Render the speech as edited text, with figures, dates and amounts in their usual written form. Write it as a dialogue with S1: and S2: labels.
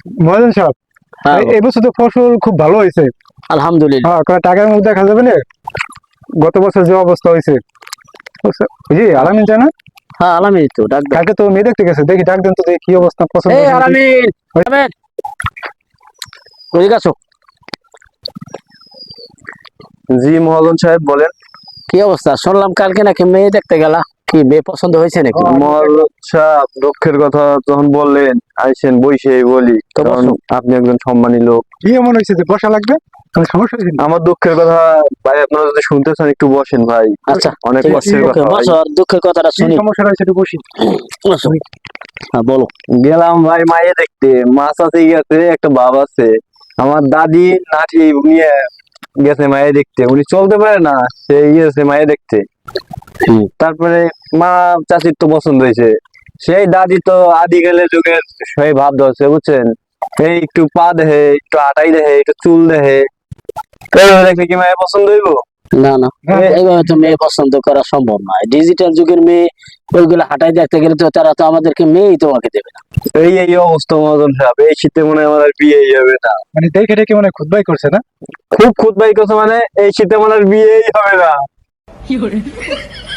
S1: মহাজন সাহেব,
S2: হ্যাঁ
S1: এই বছর তো ফসল খুব ভালো হয়েছে।
S2: আলহামদুলিল্লাহ।
S1: হ্যাঁ, কারণ টাকার মধ্যে দেখা যাবে না গত বছর যে অবস্থা হয়েছে। জি আলামিন চায় না,
S2: হ্যাঁ আলামিন তো ডাক দাও।
S1: কালকে তো মেয়ে দেখতে গেছে, দেখি ডাক দেন তো, দেখি কি অবস্থা, পছন্দ
S2: এই
S1: হয়েছে নাকি।
S2: আলামিন, আলামিন, ওদিকে আসো।
S3: জি মহাজন সাহেব বলেন।
S2: কি অবস্থা? শুনলাম কালকে নাকি মেয়ে দেখতে গেলা, কি মেয়ে পছন্দ হয়েছে নাকি?
S3: মহাজন সাহেব দুঃখের কথা যখন বললেন, আইসেন বইসেই বলি,
S2: তো
S3: কারণ
S2: বসো।
S3: আপনি একজন সম্মানী লোক।
S1: কি এমন হয়েছে যে বসা লাগবে? কোনো সমস্যা হয়েছে নাকি?
S3: আমার দুঃখের কথা ভাই, আপনারা যদি শুনতে চান একটু বসেন ভাই।
S2: আচ্ছা
S3: অনেক
S2: ঠিক আছে,
S3: কষ্টের
S2: ওকে
S3: কথা ভাই।
S2: বসো, আর দুঃখের কথাটা
S1: কি
S2: শুনি।
S1: সমস্যা হয়েছে একটু বসি।
S2: বসো। হ্যাঁ বলো।
S3: গেলাম ভাই মায়ে দেখতে, মাছ আছে গেছে, একটা বাপ আছে, আমার দাদি নাতি নিয়ে গেছে মায়ে দেখতে, উনি চলতে পারে না, সে গিয়েছে মায়ে দেখতে। তারপরে মা চাচির তো পছন্দ হয়েছে, সেই দাদি তো আদি গেলে যুগের সেই ভাব ধরছে বুঝছেন, এই একটু পা দেহে, একটু আটাই দেহে, একটু চুল দেহে, এইভাবে দেখলে কি মায়ের পছন্দ হইব?
S2: না না, এইভাবে তো মেয়ে পছন্দ করা সম্ভব নয়। ডিজিটাল যুগের মেয়ে ওইগুলো হাঁটাই দেখতে গেলে তো তারা তো আমাদেরকে মেয়েই তোমাকে দেবে না।
S3: এই এই অবস্থা মহাজন সাহেব, এই শীতে মনে হয় আমার আর বিয়েই হবে না।
S1: মানে দেখে দেখে মানে খুদবাই করছে না।
S3: খুব খুঁতবাই করছে, মানে এই শীতে মনে হয় আর বিয়েই হবে না।